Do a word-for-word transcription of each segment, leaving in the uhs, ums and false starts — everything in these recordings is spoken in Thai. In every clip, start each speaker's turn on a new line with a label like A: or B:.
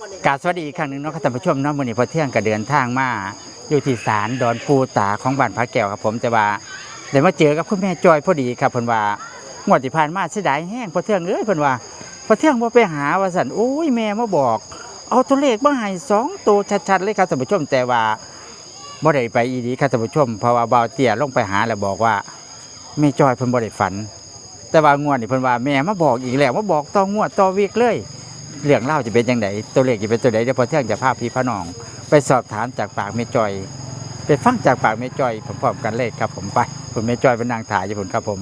A: กราบสวัสดีอีกครั้งหนึ่งเนาะท่านผู้ชมเนาะมื้อนี้พอเที่ยงก็เดินทางมาอยู่ที่ศาลดอนปูตาของบ้านพระแก้วครับผมแต่ว่าได้มาเจอกับคุณแม่จอยพอดีครับเพิ่นว่างวดที่ผ่านมาเสียดายแห้งพอเที่ยงเอ้ยเพิ่นว่าพอเที่ยงบ่ไปหาว่าซั่นโอ้ยแม่มาบอกเอาตัวเลขมาให้สองตัวชัดๆเลยครับท่านผู้ชมแต่ว่าบ่ได้ไปอีดีครับท่านผู้ชมเพราะว่าบ่าวเตี้ยลงไปหาแล้วบอกว่าแม่จอยเพิ่นบ่ได้ฝันแต่ว่างวดนี้เพิ่นว่าแม่มาบอกอีกแล้วมาบอกต่องวดต่อวีคเลยเรื่องเล่าจะเป็นยังไงตัวเลขจะเป็นตัวไหนเดี๋ยวพอเที่ยงจะพาพี่พน้องไปสอบถามจากปากแม่จอยไปฟังจากปากแม่จอยพร้อมๆกันเลยครับผมไปคุณแม่จอยเป็นนางถ่ายอยู่ผมครับผม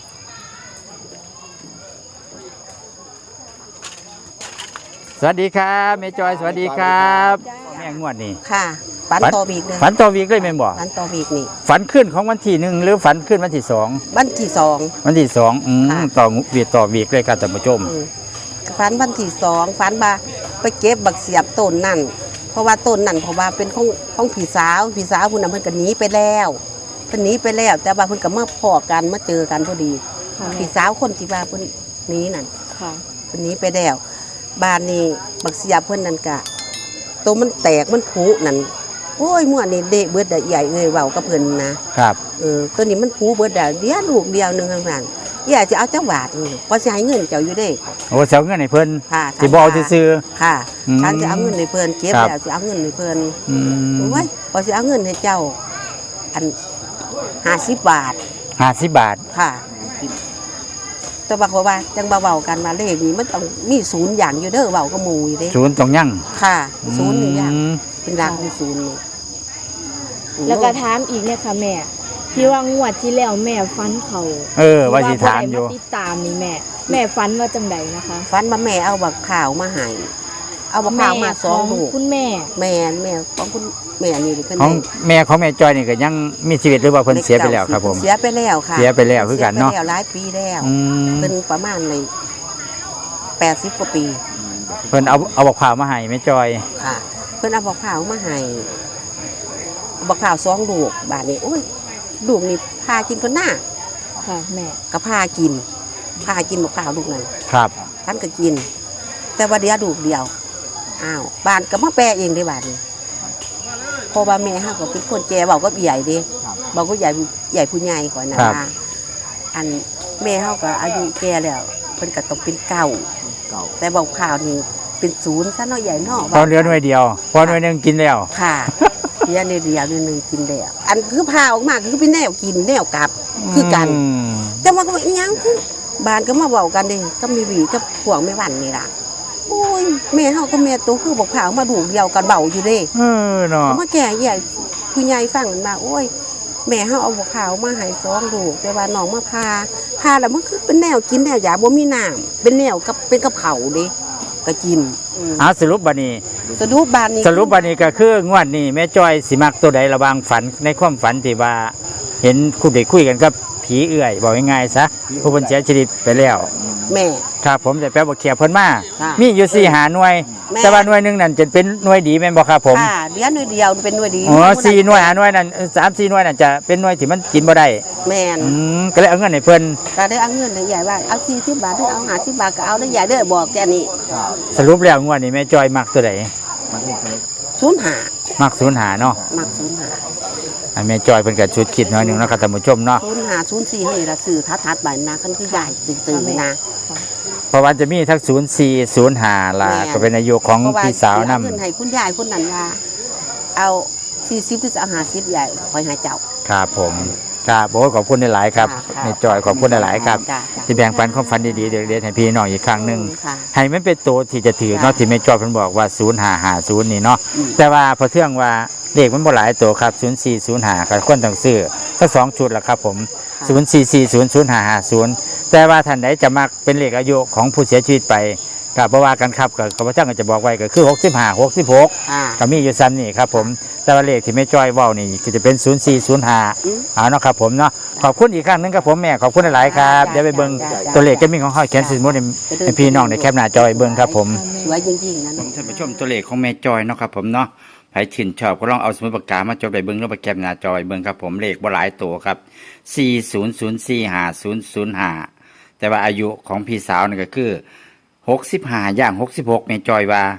A: สวัสดีครับแม่จอยสวัสดีครับแม่งวดนี่
B: ค่ะฝันต่อวีกเลย
A: ฝันต่อวีกเลยแม่บอก
B: ฝันต่อวีกนี่
A: ฝันขึ้นของวันที่หนึ่งหรือฝันขึ้นวันที่สอง
B: วันที่สอง
A: วันที่สองอืมต่อวีต่อวีกเลยครับท่านผู้ชม
B: ฝันวันที่สองฝันมาไปเก็บบักเสียบต้นนั่นเพราะว่าต้นนั่นเพราะว่าเป็นของของพี่สาวพี่สาวคุณน่ะเพิ่นก็หนีไปแล้วเพิ่นหนีไปแล้วแต่ว่าเพิ่นก็มาพอกันมาเจอกันพอดีพี่สาวคนที่ว่าเพิ่นหนีนั่นค่ะเพิ่นหนีไปแล้วบ้านนี้บักเสียบเพิ่นนั่นก็ตัวมันแตกมันผุนั่นโอ้ยมั่วนี่เดะเบิดได้ใหญ่เอ้ยเว้ากับเพิ่นนะครับเออตัวนี้มันผุเบิดได้เดียวลูกเดียวนึงข้างนั้นอยากจะเอาจังหวัดพอสิให้เงินเจ้าอยู่เด้
A: โอ้เจ้าเงินให้เพิ่น
B: ค่ะ
A: สิบ่เอาซื่อ
B: ค่ะฉันจะเอาเงินให้เพิ่นเก็บแล้วสิเอาเงินให้เพิ่น
A: อืม
B: โอ้ยพอสิเอาเงินให้เจ้าอันห้าสิบบาท
A: ห้าสิบบาท
B: ค่ะแต่ว่าเขาว่าจังเบาๆกันมาเลขนี้มันต้องมีศูนย์อย่างอยู่เด้อเว้ากับหมู่อยู่เด้
A: ศูนย์ต้องยั่ง
B: ค่ะศูนย์นี่อย่างเป็นหลักมีศูนย์นี่
C: แล้วก็ถามอีกเนี่ยค่ะแม่ที่ว่างวดที่แล้วแม่ฟันเขา
A: เออว่าสิถามอยู่
C: ติดตามนี่แม่แม่ฟันว่าจังไดนะคะ
B: ฟันมาแม่เอาบักข่าวมาให้เอาบักข่าวมาสองลูก
C: คุณแม่
B: แม่แม่ของคุณแม่นี่เป็น
A: ของแม่ของแม่จอยนี่ก็ยังมีชีวิตหรือว่าเพิ่นเสียไปแล้วครับผม
B: เสียไปแล้วค่ะ
A: เสียไปแล้วคือกันเนาะ
B: เสียไปแล้วหลายปีแล้วเป็นประมาณในแปดสิบกว่าปี
A: เพิ่นเอาเอาบักข่าวมาให้แม่จอย
B: ค่ะเพิ่นเอาบักข่าวมาให้บักข่าวสองลูกบาดนี้โอ้ยลูกนี่พากินคนหน้า
C: ค่ะแม่
B: ก็พากินพากินบักข่าวลูกนั้น
A: ครับ
B: ท่านก็กินแต่ว่าเดียวลูกเดียวอ้าวบ้านก็มาแปลเองได้บาดนี้พอว่าแม่เฮาก็เป็นคนแก่เว้าก็ใหญ่เด้เว้าก็ใหญ่ใหญ่ผู้ใหญ่ก่อนนะอันแม่เฮาก็อายุแก่แล้วเพิ่นก็ต้องเป็นเก่าแต่บักข่าวนี่เป็นศูนย์ซะเนาะใหญ่เนาะ
A: พอเหลือหน่วยเดียวพอหน่วยนึงกินแล้ว
B: ค่ะเดียวเดียวนึงกินแล้วอันคือพาออกมาคือเป็นแนวกินแนวกลับคือกันแต่ว่าก็อีหยังคือบ้านก็มาเว้ากันเด้ก็มีหวีกับพวกแม่วันนี่ล่ะโอ้ยแม่เฮากับแม่โตคือบักข่าวมาดูเดียวกันเว้าอยู่เด้
A: เออเนาะ
B: มาแก่ใหญ่ผู้ใหญ่ฟังมาโอ้ยแม่เฮาเอาบักข่าวมาให้สองลูกแต่ว่าน้องมาพาพาแล้วมันคือเป็นแนวกินแนวหยาบ่มีน้ำเป็นแนวกับเป็นกับเขาเด้ก็กิน
A: อ่าสรุปบัดนี้
B: สรุปบัดนี้
A: สรุปบัดนี้ก็คืองวดนี้แม่จอยสิมักตัวใดระหว่างฝันในความฝันที่ว่าเห็นคุณได้คุยกันกับผีเอื้อยบอกง่ายๆซะผู้เพิ่นเสียชีวิตไปแล้ว
B: แม่
A: ครับผมจะแปลบ่เขียบเพิ่นมามีอยู่สี่หาหน่วยแต่ว่าหน่วยนึงนั่นจะเป็นหน่วยดีแม่นบ่ครับผม
B: ค่ะเดี๋ยวหน่วยเดียวเป็นหน่วยดี
A: อ๋อสี่หน่วยหาหน่วยนั่นสาม สี่หน่วยนั่นจะเป็นหน่วยที่มันกินบ่ได้
B: แม่น
A: อืมก็เลยเอาเงินให้เพิ่น
B: ก็ได้เอาเงินให้ใหญ่ว่าเอาสี่สิบบาทหรือเอาห้าสิบบาทก็เอาได้ใหญ่เด้อบอกแค่นี้
A: สรุปแล้วงวดนี้แม่จอยมักตัวใด
B: ศูนย์ห้า
A: มักศูนย์ห้าเนาะ
B: มักศูนย์ห้า
A: อันแม่จอยเพิ่นก็ชุดคิดน้อยนึงเนาะครับท่านผู้ชมเนาะ
B: ศูนย์ห้า ศูนย์สี่นี่ล่ะซื้อทัดๆไปนะคันคือใหญ่ตื่นๆนะ
A: เพราะว่าจะมีทั้งศูนย์สี่ ศูนย์ห้าล่ะก็เป็นอายุของพี่สาวนำ
B: เงินให้คุณยายคนนั้นว่าเอาสี่สิบหรือจะเอาห้าสิบใหญ่คอยหาเจ้า
A: ครับผมครับโอ้ขอบคุณหลายๆครับแม่จอยขอบคุณหลายๆครับที่แบ่งปันความฝันดีๆเด็กๆให้พี่น้องอีกครั้งนึงให้มันเป็นตัวที่จะถือเนาะที่แม่จอยเพิ่นบอกว่าศูนย์ห้าห้าศูนย์นี่เนาะแต่ว่าพอเทื่องว่าเลขมันบ่หลายตัวครับศูนย์สี่ ศูนย์ห้าก็ควรต้องซื้อทั้งสองชุดล่ะครับผมศูนย์สี่สี่ศูนย์ ศูนย์ห้าห้าศูนย์แต่ว่าท่านใดจะมักเป็นเลขอายุของผู้เสียชีวิตไปก็บ่ว่ากันครับก็ข้าพเจ้าก็จะบอกไว้ก็คือหกสิบห้า หกสิบหกก็มีอยู่ซ้ำนี่ครับผมแต่ว่าเลขที่แม่จ้อยเว้านี่ก็จะเป็นศูนย์สี่ ศูนย์ห้าเอาเนาะครับผมเนาะขอบคุณอีกครั้งนึงครับผมแม่ขอบคุณหลายๆครับเดี๋ยวไปเบิ่งตัวเลขจะมีของเฮาเขียนสมุดให้พี่น้องในแคปหน้าจอเบิ่งครับผม
B: สวยจริงๆนะ
A: ท่านผู้ชมตัวเลขของแม่จ้อยเนาะครับผมเนาะใครชื่นชอบก็ลองเอาสมุดปากกามาจดไปเบิ่งแล้วไปแคปหน้าจอเบิ่งครับผมเลขบ่หลายตัวครับสี่ศูนย์ ศูนย์สี่ ห้าศูนย์ ศูนย์ห้าแต่ว่าอายุของพี่สาวนี่ก็คือหกสิบห้าย่างหกสิบหกแม่จอยว่า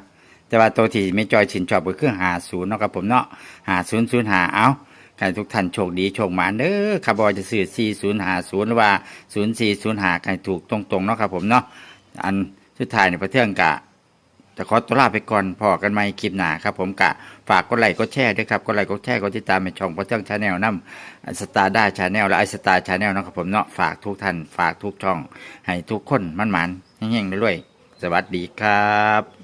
A: แต่ว่าตัวที่ไม่จอยชินชอบก็คือหาศูนย์เนาะครับผมเนาะหาศูนย์ศูนย์หาเอาใครทุกท่านโชคดีโชคหมานเด้อครับบอยจะซื้อสี่ศูนย์หาศูนย์หรือว่าศูนย์สี่ศูนย์หาใครถูกตรงๆเนาะครับผมเนาะอันสุดท้ายในประเทศกะจะขอตัวลาไปก่อนพอกันใหม่คลิปหน้าครับผมกะฝากกดไลค์กดแชร์ด้วยครับกดไลค์กดแชร์กดติดตามในช่องประเทศชาแนลน้ำสตาร์ด้าชาแนลและไอสตาร์ชาแนลนะครับผมเนาะฝากทุกท่านฝากทุกช่องให้ทุกคนมั่นหมานเฮงๆด้วยๆสวัสดีครับ